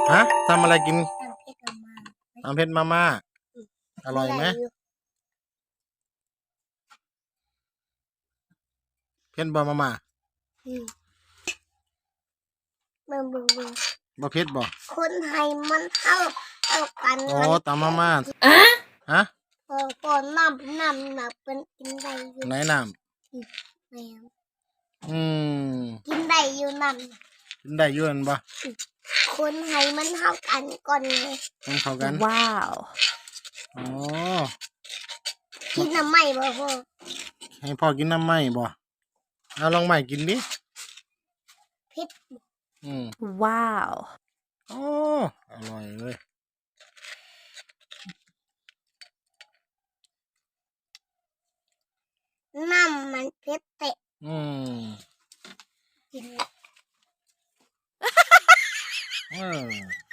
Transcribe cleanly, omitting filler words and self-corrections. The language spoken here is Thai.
ฮะทำอะไรกินน้ำเพชรมาม่าน้ำเพชรมาม่าอร่อยไหมเพชรบอมาม่าเบิ่งบอเพชรบอคนไทยมันเท่ากันโอ้ตำมาม่าฮะก่อนน้ำเป็นกินได้อยู่ไหนน้แม่ำกินได้อยู่น้กินได้อยืนบ่คนไทยมันเท่ากันก่อนเลยมันเข้ากันว้าวอ๋อกินน้ำไหม่บ่พ่อให้พ่อกินน้ำไหมบ่เอาลองไหมกินดิเผ็ดว้าวโอ้อร่อยเลยน้ำมันเผ็ดเตะกิน